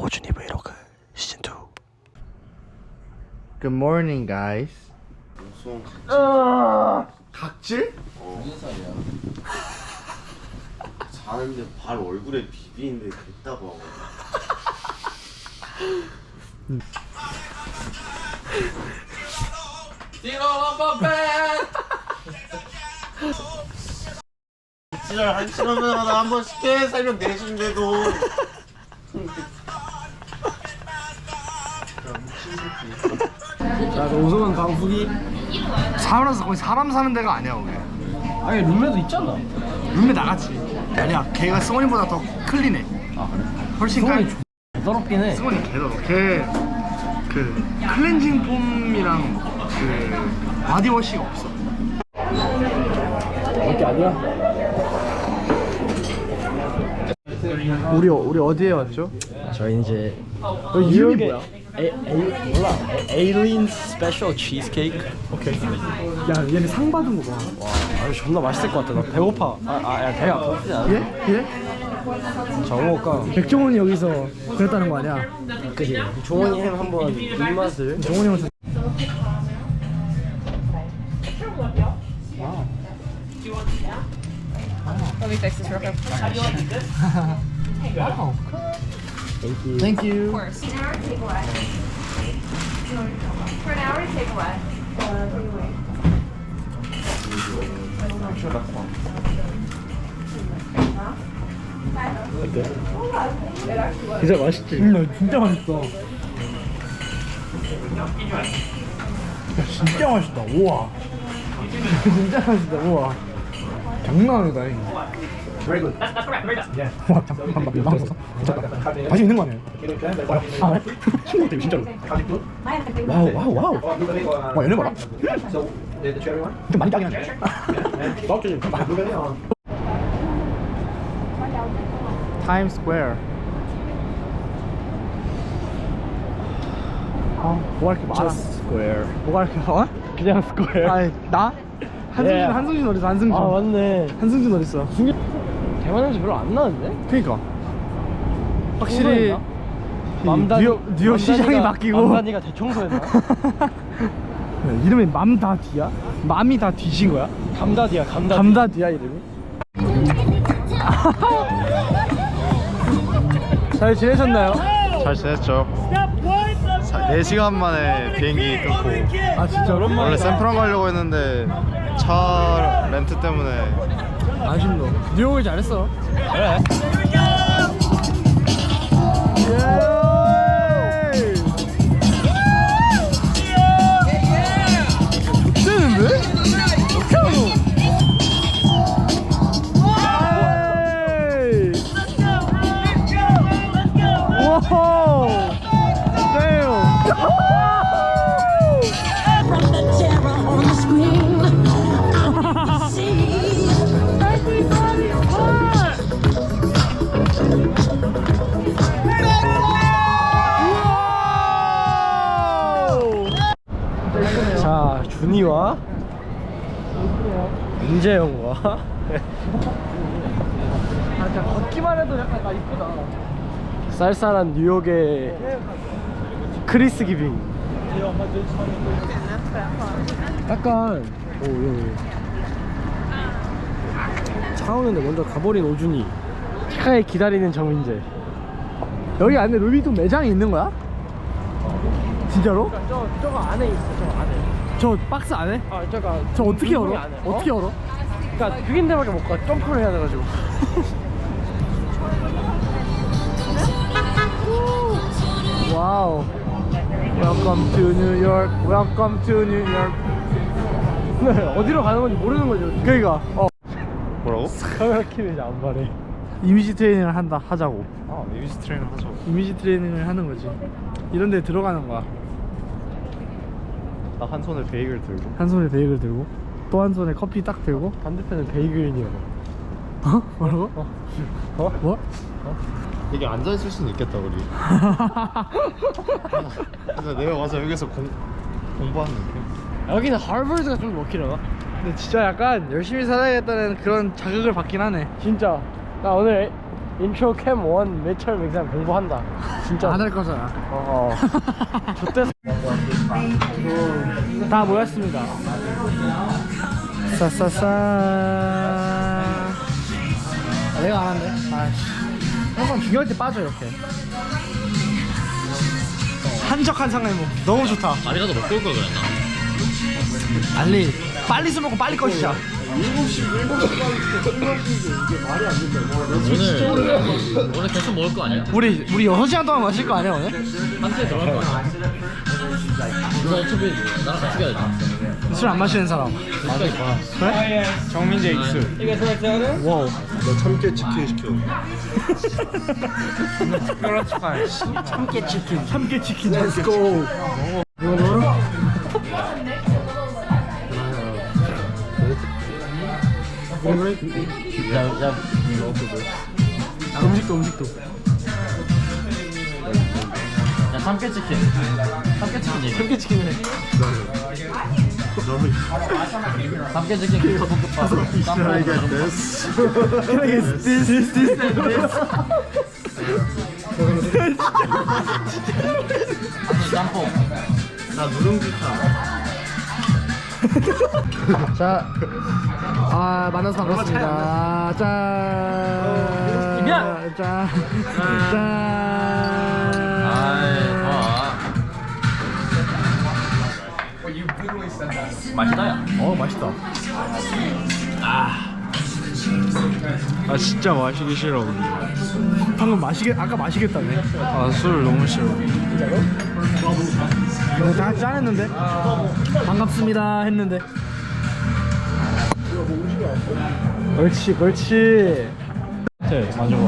오준이 브이로그 시즌2. Good morning, guys. 수원 각질? 무슨 살이야? 자는데 발 얼굴에 비비는데 됐다고 하고. 지랄 한 시간마다 한 번씩 해 살면 내준대도. 자, 오성환 강수기. 살아서 거기 사람 사는 데가 아니야, 거기. 아니, 룸메도 있잖아. 룸메 나갔지. 아니야, 걔가 승원이보다 더 클린해. 아, 그래? 훨씬 클린. 더럽긴 해. 승원이 걔더러. 걔그 클렌징 폼이랑 그 바디워시가 없어. 밖에 아니야? 우리 어디에 왔죠? 저희 이제 이름이 뭐야? 몰라. 에일린 스페셜 치즈케이크. 오케이. 야, 얘네 상 받은 거 봐. 와, 아, 존나 맛있을 것 같아. 나 배고파. 야, 배가 고프지 않아? 예? 예? 정호가 백종원이 여기서 그랬다는 거 아니야? 그지. 종원이 햄 한번 입맛을. 종원이 형한테. Let me fix this real quick. 와우. Thank you. Thank you. Of course. An hour takeaway. For an hour takeaway. 진짜 맛있지? 진짜 맛있어. 야, 진짜 맛있다. 우와. 진짜 맛있다. 우와. 장난 아니다. 와, 잠깐만. 다시 있는 거 아니에요? 아, 그래? 친구 같아, 진짜로. 와우. 와, 얘네 봐라. 좀 많이 짜긴 하네. 타임 스퀘어. 뭐가 이렇게 많아? 스퀘어. 뭐가 이렇게 많아? 그냥 스퀘어. 아니, 나? 한승준 어딨어, 한승준. 아, 맞네. 한승준 어딨어? 대만 냄새 별로 안 나는데? 그니까. 확실히 맘다니, 뉴욕 시장이 바뀌고. 맘다니가 대청소했나? 이름이 맘다디야? 맘이 다 뒤진 거야? 감다디야, 감다디. 감다디야 이름이? 잘 지내셨나요? 잘 지냈죠? 4시간 만에 비행기 끊고. 아, 진짜 오랜만이다. 원래 샌프란 가려고 했는데 차 렌트 때문에. 아쉽노. 뉴욕을 잘했어. 그래. 좋대는데? 어떻게 하노? 와우. From the terror on the screen, I see. 자, 준이와 민재형과 걷기만 해도 약간 나 이쁘다. 쌀쌀한 뉴욕의 크리스 기빙. 약간 차 오는데 먼저 가버린 오준이, 차에 기다리는 정민재. 여기 안에 루비통 매장이 있는 거야? 진짜로? 저거 안에 있어. 저 안에. 저 박스 안에? 저 어떻게 열어? 안에. 어떻게 열어? 그러니까 6인대밖에 못 가. 점프를 해야 돼가지고. 와우. Welcome to New York. Welcome to New York. 어디로 가는 건지 모르는 거죠. 그러니까 뭐라고? 카메라 키면 이제 안 말해. 이미지 트레이닝을 하자고. 아, 이미지 트레이닝 하죠. 이미지 트레이닝을 하는 거지. 이런 데 들어가는 거야. 나 한 손에 베이글 들고. 한 손에 베이글 들고 또 한 손에 커피 딱 들고. 반대편은 베이글이요. 어? 뭐라고? 뭐? 이게 앉아 있을 수는 있겠다 우리. 근데 내가 와서 여기서 공부하는 느낌. 여기는 하버드가 좀 먹히려나? 근데 진짜 약간 열심히 살아야겠다는 그런 자극을 받긴 하네. 진짜 나 오늘 인트로 캠 1 매철 맹상 공부한다. 진짜. 안 할 거잖아. 저때 다 모였습니다. 싸싸싸. 내가 안 한대. 아씨. 항상 중요할 때 빠져 이렇게. 한적한 상례모 너무 좋다. 밥이라도 먹고 올 걸 그랬나? 알리 빨리 술 먹고 빨리 꺼지자. 오늘 계속 먹을 거 아니야? 우리 6시간 동안 마실 거 아니야 오늘? 한테 들어갈 거 아니야? 너 어차피 나랑 같이 가야 돼. 술 안 마시는 사람. 그래? 정민재 익수. 와우. 너 참깨 치킨 시켜. 특별한 축하해. 참깨 치킨. Let's go. 이거 넣어라. 야, 음식도. 야, 삼계치킨 얘기. 참깨치킨을 해. 삼계치킨 볶음밥. Can I get this? Can I get this and this? 짬뽕. 나 누룽지탕. 자, 만나서 반갑습니다. 짠. 짠. 맛있다, 야. 맛있다. 아 진짜 마시기 싫어. 방금 아까 마시겠다네. 아 술 너무 싫어. 다 짠했는데. 반갑습니다 했는데. 그렇지. 네, 맞아.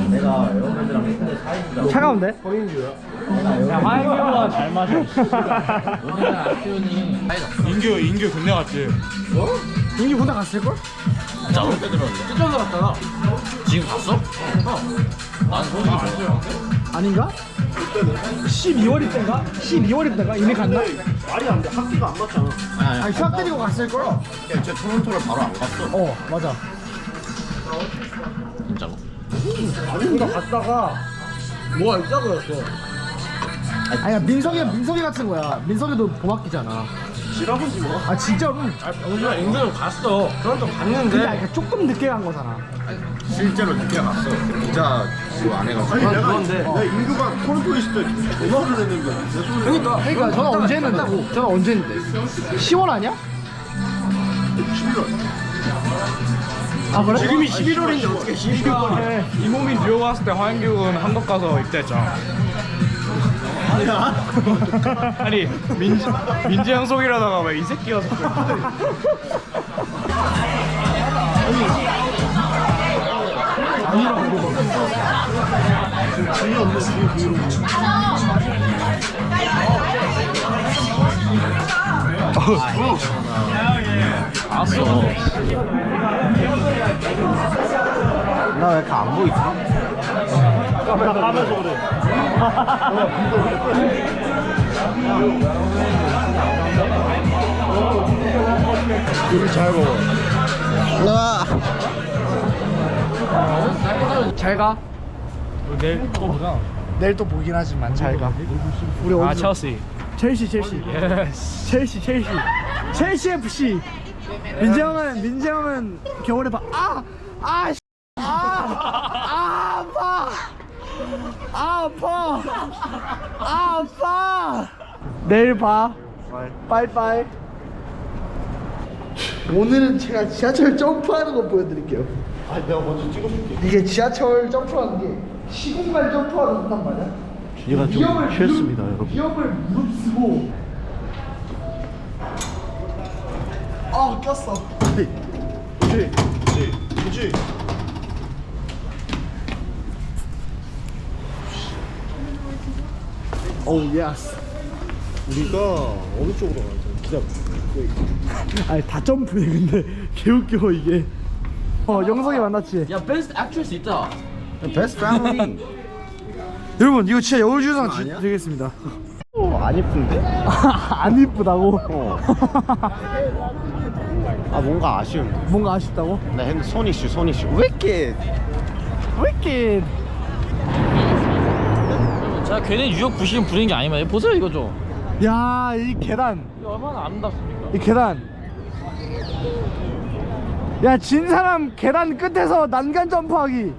차가운데? 야 화영규가 잘 마셔. 오늘은 아키훈이 인규 군대 갔지. 인기 군대 갔을걸? 진짜로 빼들었는데. 쫓아서 갔다가. 지금 갔어? 난 소식이 좋아. 아닌가? 12월일 때인가? 12월일 때인가? 이미 갔나? 말이 안 돼. 학기가 안 맞잖아. 아니 휴학 때리고 갔을걸? 쟤 토론토를 바로 안 갔어. 맞아. 진짜로. 아닌가 갔다가 뭐가 있다 그랬어. 아니야 민석이 같은 거야. 민석이도 봄학기잖아. 지라보지 뭐. 아 진짜로? 우리가 인규 갔어. 그런 좀 근데 갔는데. 그러니까 조금 늦게 간 거잖아. 실제로 늦게 갔어. 기자 그거 안 해가지고. 아니 내가 인규가 토론토에 있을 때 전화를 했는데 내 손에. 그러니까 전화 언제 했는데? 전화 언제 했는데? 10월 아니야? 11월. 아 그래? 지금이 11월인데 어떻게 12월에 이몸이 뉴욕 갔을 때 화영규는 한국 가서 입대했잖아. 아니 민지 형 속이라다가 왜 이 새끼가 자꾸 알았어. 나 왜 이렇게 안 보이지? 카메라 까면서 그래. 우리 잘 먹어. 잘 가. 내일 또 보자. 내일 또 보긴 하지만 잘 가. 우리 아 어디서? 첼시. 첼시. 예스. 첼시 FC. 민재 형은 겨울에 아파. 내일 봐. 빠이빠이. 오늘은 제가 지하철 점프하는 거 보여드릴게요. 아 내가 먼저 찍어줄게. 이게 지하철 점프하는 게 시공간 점프하는 단 말이야. 얘가 좀 취했습니다 여러분. 위험을 무릅쓰고. 꼈어. 그렇지. 오 예스. 우리가 어느 쪽으로 가야 돼? 기다려. 아니 다 점프해 근데 개웃겨 이게. 영석이 만났지. 야, 베스트 액트리스 있다. 베스트 패밀리. 여러분 이거 진짜 여울주상 아니야? 드리겠습니다. 안 예쁜데? 안 이쁘다고? 아 뭔가 아쉬운데. 뭔가 아쉽다고? 나 핸드 손 이슈. 왜 이렇게 wicked. 자, 괜히 뉴욕 부시는 분위기 아니면 보세요 이거 좀. 야, 이 계단. 이거 얼마나 아름답습니까? 이 계단. 야, 진 사람 계단 끝에서 난간 점프하기.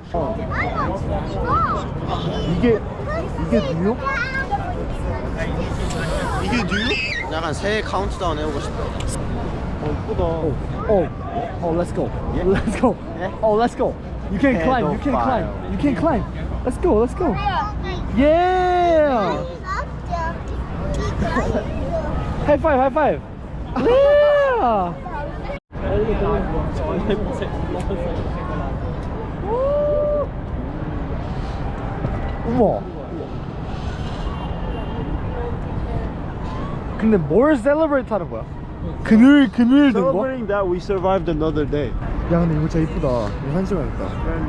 이게 뉴욕? 이게 뉴욕? 약간 새해 카운트다운 해보고 싶다. Let's go. Let's go. Oh, let's go. You can climb. You can climb. You can climb. Let's go. Let's go. Yeah. High five. High five. Yeah. 우와. 근데 뭘 셀러브레이트 하는 거야? 그늘 든 거? Celebrating that we survived another day. 야, 근데 이거 진짜 이쁘다. 이거 사진 찍어야겠다.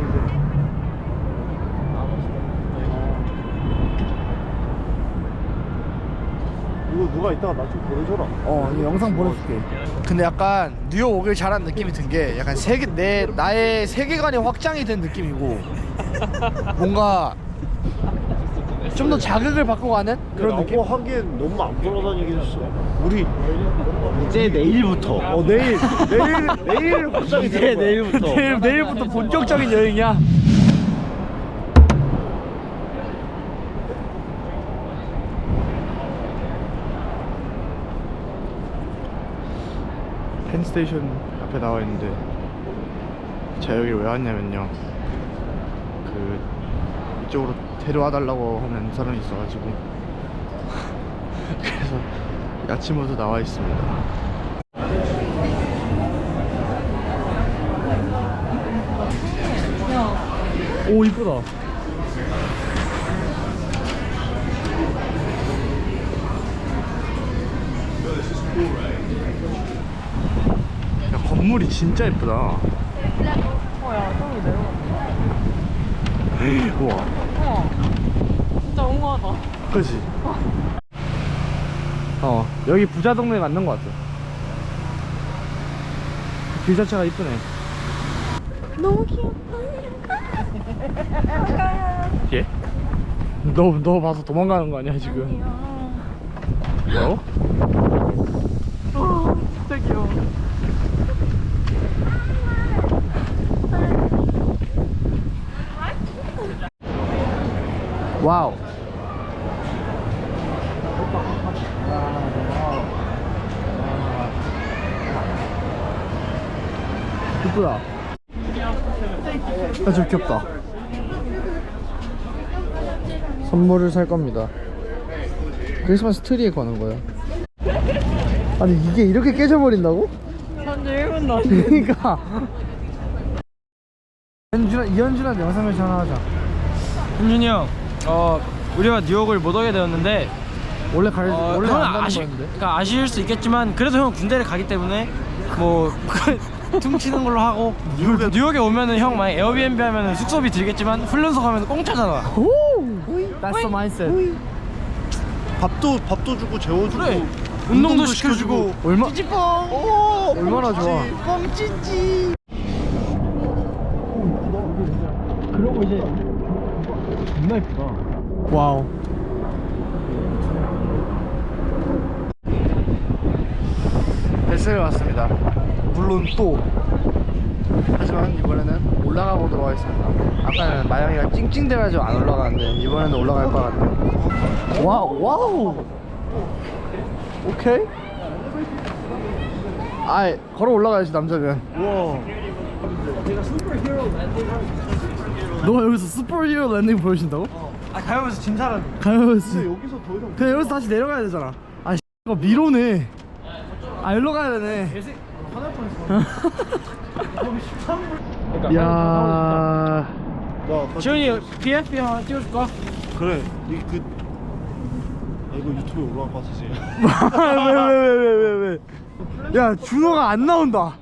이거 누가 이따가 나 좀 보내줘라. 이거 영상 보내줄게. 근데 약간 뉴욕 오길 잘한 느낌이 든 게 약간 나의 세계관이 확장이 된 느낌이고 뭔가 좀 더 자극을 받고 가는 그런 느낌? 라고 하기엔 너무 안 돌아다니긴 했어. 우리 이제 내일부터. 내일 갑자기 이제 내일부터. 내일부터 본격적인 여행이야. 펜스테이션 앞에 나와 있는데 제가 여기 왜 왔냐면요, 이쪽으로 데려와 달라고 하는 사람이 있어가지고 그래서 아침부터 나와 있습니다. 오, 이쁘다. 야, 건물이 진짜 이쁘다. 야, 똥이 내려가. 우와. 진짜 엉망하다. 그치? 여기 부자 동네 맞는 것 같아. 길 자체가 이쁘네. 너무 귀엽다. 예? 너 봐서 도망가는 거 아니야 지금? 뭐? 진짜 귀여워. 와우. 이쁘다. 아, 좀 귀엽다. 선물을 살 겁니다. 크리스마스 트리에 거는 거야. 아니, 이게 이렇게 깨져버린다고? 현재 1분도 안 그러니까 이현준한테 영상을 하나 하자. 현준이 형, 우리가 뉴욕을 못 오게 되었는데 원래 형은 안 가는 거였는데. 그러니까 아쉬울 수 있겠지만 그래도 형은 군대를 가기 때문에 뭐 퉁치는 걸로 하고 뉴욕에 오면은 형 만약 에어비앤비 하면은 숙소비 들겠지만 훈련소 가면 공짜잖아. That's the mindset. 밥도 주고 재워주고 그래. 운동도 시켜주고 얼마나 좋아. 뻥찌찌. 그러고 이제 존나 예쁘다. 와우. 벨스에 왔습니다. 물론 또 하지만 이번에는 올라가 보도록 하겠습니다. 아까는 마영이가 찡찡대가지고 안 올라가는데 이번에는 올라갈 것 같네요. 와우. 오케이. 아이, 걸어 올라가야지 남자면. 너가 여기서 슈퍼히어로 랜딩 보여준다고? 가면서 진 사람. 가면서 여기서 더 이상 그냥 여기서 다시 내려가야 되잖아. 아, 이거 미로네. 일로 가야 되네. 야. 지훈이 PFP 하나 띄워줄까? 그래. 이거 유튜브에 올라갈 것 같아 지금. 왜? 야, 준호가 안 나온다.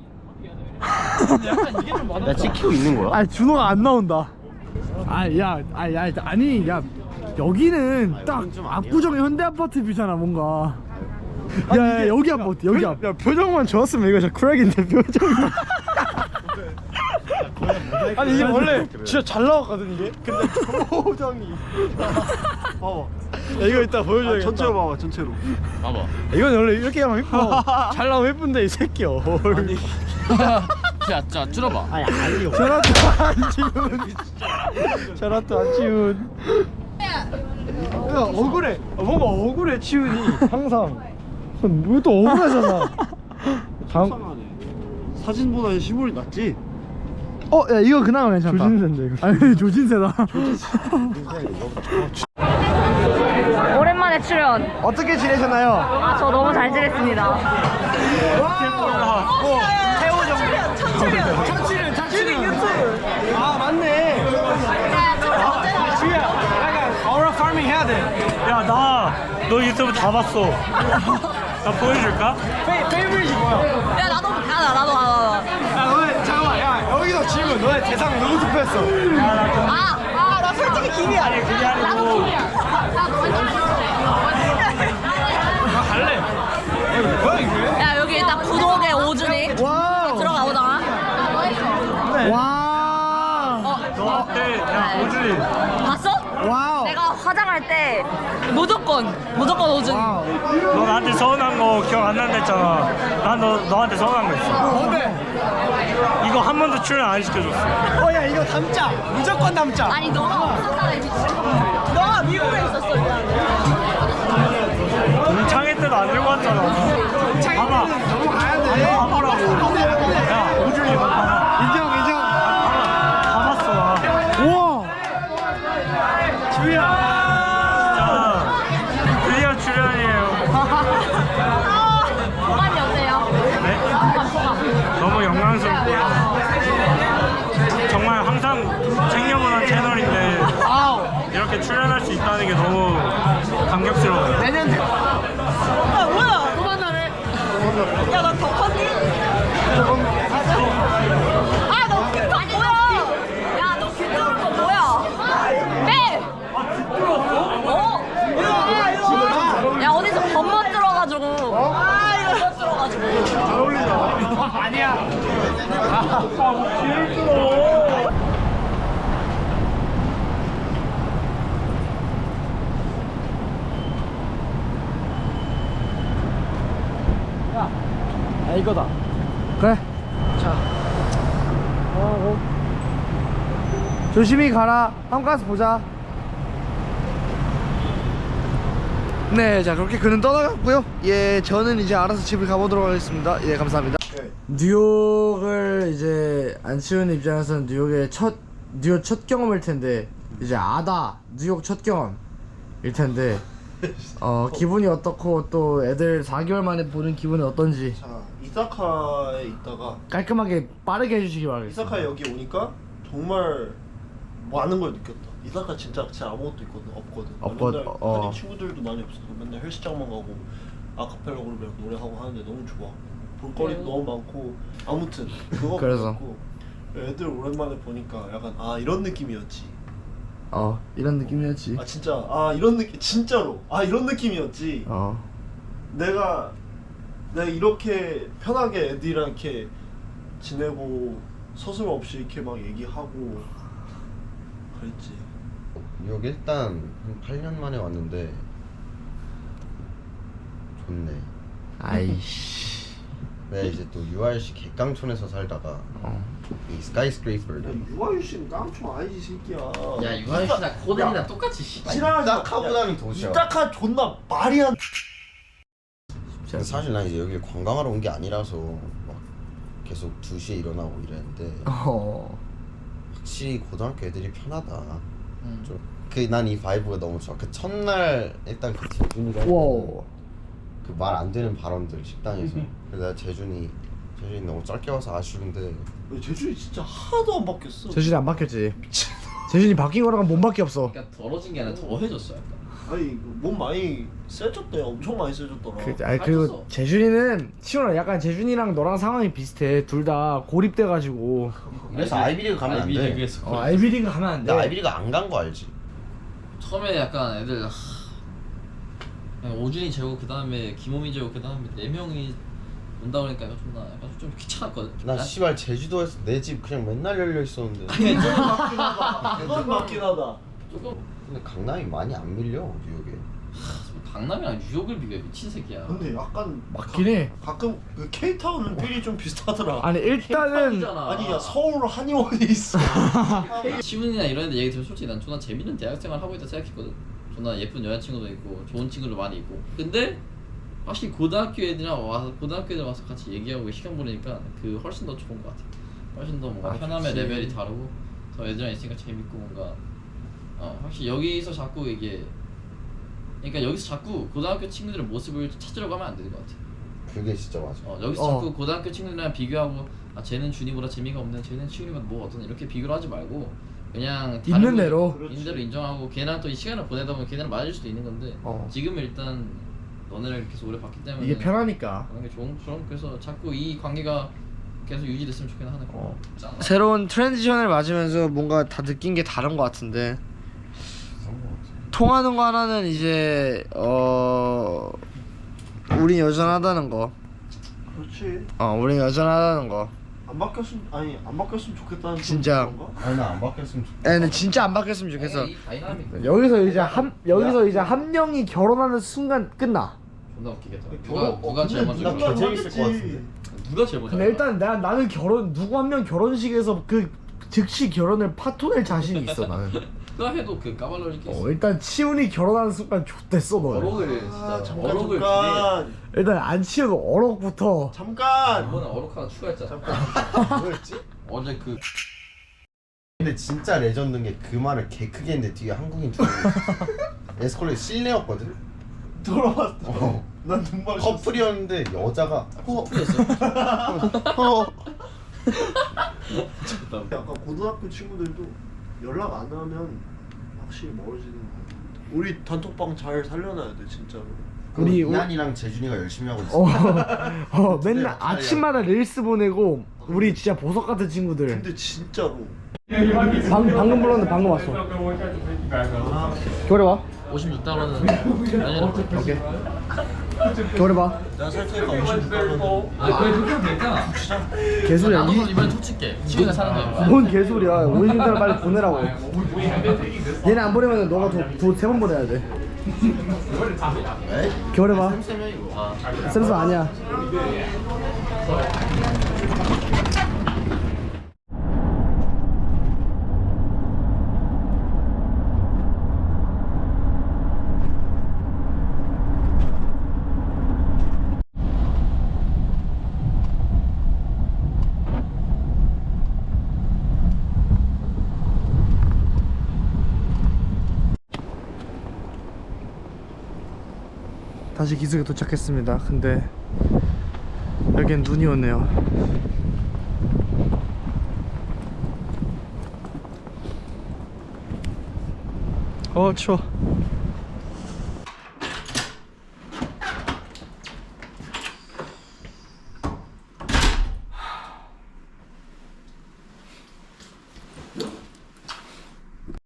나 찍히고 있는 거야? 준호가 안 나온다. 아니, 야, 여기는 딱 압구정 현대 아파트 뷰잖아, 뭔가. 야, 여기 한번 어때? 여기 야, 표정만 좋았으면 이거 진짜 쿨하긴데 표정이. 아니 이게 원래 진짜 잘 나왔거든 이게. 근데 표정이. 봐봐. 야, 이거 이따 보여줘야겠다. 전체로 봐봐 전체로. 봐봐. 이건 원래 이렇게 하면 예뻐. 잘 나오면 예쁜데 이 새끼야. 야, 자, 줄여봐. 아니 아니요. 저라도 안지훈. 저라도 안지훈. 야 억울해. 뭔가 억울해 치훈이 항상. 왜 또 억울하잖아. 다음. 사진보다 실물이 낫지. 야 이거 그나마 괜찮다. 조진세인데 이거. 아니 조진세다. 오랜만에 출연. 어떻게 지내셨나요? 아, 저 너무 잘 지냈습니다. 아 맞네. 약간 어라 파밍 해야 돼. 야, 너 유튜브 다 봤어. 나 보여줄까? 페이브릿이 뭐야? 야, 나도. 야 너네 잠깐만. 야 여기서 질문. 너네 대상 누구 투표했어? 나 솔직히 김이야. 아니, 그게 아니고. 나 갈래. 뭐야 이게? 야, 여기 일단 구독에 오준이 와우. 들어가보자. 와. 너한테, 야, 오준이. 봤어? 와우. 내가 화장할 때 무조건 오준이. 너 나한테 서운한 거 기억 안 난다 했잖아. 난 너한테 서운한 거 있어. 뭔데? 이거 한 번도 출연 안 시켜줬어. 야 이거 담자. 무조건 담자. 아니, 너가 없었잖아, 미친. 너가 미국에 있었어, 우리 창회 때도 안 들고 왔잖아. 봐봐. 너무 가야 돼. 봐보라고. 야, 오준이 봐봐. 인정. 다 봤어, 나. 우와. 주희야. 진짜 드디어 출연이에요. 소감이 어때요? 네? 소감. 너무 영광스럽고요. 정말 항상 챙겨보는 채널인데 이렇게 출연할 수 있다는 게 너무 감격스러워요. 내년 돼. 야, 뭐야? 그만하래. 야, 나 더 컸니? 아, 너 귀뚜라 뭐야? 야, 너 귀뚜라 거 뭐야? 빼! 야, 어디서 범벅 들어가지고. 범벅 들어가지고. 잘 어울리잖아. 아니야. 야, 이거다. 그래. 자. 조심히 가라. 한가스 보자. 네, 자 그렇게 그는 떠나갔고요. 예, 저는 이제 알아서 집을 가보도록 하겠습니다. 예, 감사합니다. 뉴욕을 이제 안치훈 입장에서는 뉴욕 첫 경험일 텐데 이제 뉴욕 첫 경험일 텐데 기분이 어떻고 또 애들 4개월 만에 보는 기분이 어떤지 자 이사카에 있다가 깔끔하게 빠르게 해주시기 바라겠습니다. 이사카에 여기 오니까 정말 많은 걸 느꼈다. 이사카 진짜 아무것도 없거든. 맨날 한인 친구들도 많이 없어서 맨날 헬스장만 가고 아카펠라 그룹이랑 노래하고 하는데 너무 좋아. 볼거리도 너무 많고 아무튼 그거 그래서. 보고 애들 오랜만에 보니까 약간 이런 느낌이었지. 이런 느낌이었지. 진짜 이런 느낌 진짜로 이런 느낌이었지. 내가 이렇게 편하게 애들이랑 이렇게 지내고 서슴없이 이렇게 막 얘기하고 그랬지. 뉴욕 일단 한 8년 만에 왔는데 좋네. 아이씨. 내가 이제 또 URC 객강촌에서 살다가 이 스카이스크레이퍼를 유아유씨는 깡총 아니지 새끼야. 야, 유아유씨나 코덴이나 똑같이 이사카보다는 도시야. 이사카 존나 말이 안. 사실 난 이제 여기 관광하러 온 게 아니라서 막 계속 2시에 일어나고 이랬는데 확실히 고등학교 애들이 편하다. 난 이 바이브가 너무 좋아. 그 첫날 일단 그 재준이가 그 말 안 되는 발언들 식당에서 그래서 내가 재준이 너무 짧게 와서 아쉬운데 재준이 진짜 하나도 안 바뀌었어. 재준이 안 바뀌었지. 재준이 바뀐 거랑은 몸밖에 없어. 그러니까 더러진 게 아니라 더해졌어 약간. 아니 몸 많이 세졌대. 엄청 많이 세졌더라. 그리고 재준이는 치훈아 약간 재준이랑 너랑 상황이 비슷해. 둘 다 고립돼가지고. 그래서 아이비리그 가면 안 돼. 아이비리그에서 아이비리그 가면 안 돼. 나 아이비리그 안 간 거 알지? 처음에 약간 애들 그냥 오준이 재고 그 다음에 김호민 재고 그 다음에 4명이 온다 그러니까 약간 좀 귀찮았거든. 나 씨발 제주도에서 내 집 그냥 맨날 열려 있었는데. 그건 맞긴 하다. 조금 근데 강남이 많이 안 밀려 뉴욕에. 강남이랑 뉴욕을 비교해 미친 새끼야. 근데 약간 맞긴 해. 가끔 그 K타운은 필이 좀 비슷하더라. 아니 일단은 아니 야 서울 한의원이 있어. 시문이나 이런 데 얘기 들으면 솔직히 난 존나 재밌는 대학생활 하고 있다 생각했거든. 존나 예쁜 여자친구도 있고 좋은 친구도 많이 있고. 근데 확실히 고등학교 애들이랑 와서 고등학교 애들 와서 같이 얘기하고 시간 보내니까 그 훨씬 더 좋은 것 같아. 훨씬 더 뭔가 편함의 좋지. 레벨이 다르고 더 애들이랑 있으니까 재밌고 뭔가 확실히 여기서 자꾸 이게 그러니까 여기서 자꾸 고등학교 친구들의 모습을 찾으려고 하면 안 되는 것 같아. 그게 진짜 맞아. 여기서 자꾸 고등학교 친구들이랑 비교하고 쟤는 준이보다 재미가 없네, 쟤는 치훈이보다 뭐 어떤 이렇게 비교를 하지 말고 그냥 다른 있는 대로. 있는 대로 인정하고 걔랑 또 이 시간을 보내다 보면 걔네랑 맞을 수도 있는 건데 지금 일단 너네를 계속 오래 봤기 때문에 이게 편하니까. 그런 게 좋은 그래서 자꾸 이 관계가 계속 유지됐으면 좋겠는 하는 거. 새로운 트랜지션을 맞으면서 뭔가 다 느낀 게 다른 것 같은데 통하는 거 하나는 이제 우린 여전하다는 거. 그렇지. 우린 여전하다는 거. 안 바뀌었으면 좋겠다는 진짜. 그런가? 아니 나 안 바뀌었으면 좋겠다. 근데 진짜 안 바뀌었으면 좋겠어. 이 다이나믹 여기서 이제 한 명이 결혼하는 순간 끝나. 존나 웃기겠다. 결혼- 누가 제일 근데 먼저 누가 결혼? 재밌을 것 같은데. 누가 제일 먼저? 근데 일단 나는 누구 한 명 결혼식에서 그 즉시 결혼을 파토낼 자신이 있어 나는. 누가 해도 그 까발로리 게 있어. 일단 치훈이 결혼하는 순간 X됐어 너는. 어록을 진짜 잠깐 어록을 잠깐 일단 안 치우고 어록부터. 잠깐. 이번에 어록 하나 추가했잖아. 뭐였지? 어제 그 근데 진짜 레전드인 게 그 말을 개 크게 했는데 뒤에 한국인 줄 알고. 에스컬레이터 실내였거든. 돌아봤어. 난 눈물. 커플이었는데 여자가 커플이었어. 약간 고등학교 친구들도 연락 안 하면 확실히 멀어지는 거 같아. 우리 단톡방 잘 살려놔야 돼 진짜로. 우리 이한이랑 재준이가 열심히 하고 있어. 맨날 아침마다 릴스 보내고 우리 진짜 보석 같은 친구들. 근데 진짜로. 방금 불렀는데 방금 왔어. 겨울에 56달러는 아니라 오케이. 겨울에 봐. 내가 살 테니까 56달러. 그래 그렇게 하면 되잖아. 개소리야. 나도 이번에 돈 칠게. 치훈이가 사는 거야. 뭔 개소리야. 50달러 빨리 보내라고. 얘네 안 보내면 너가 돈 3번 보내야 돼. 겨울에 봐. 쌤쌤 아니야. 다시 기숙에 도착했습니다. 근데 여긴 눈이 오네요. 추워.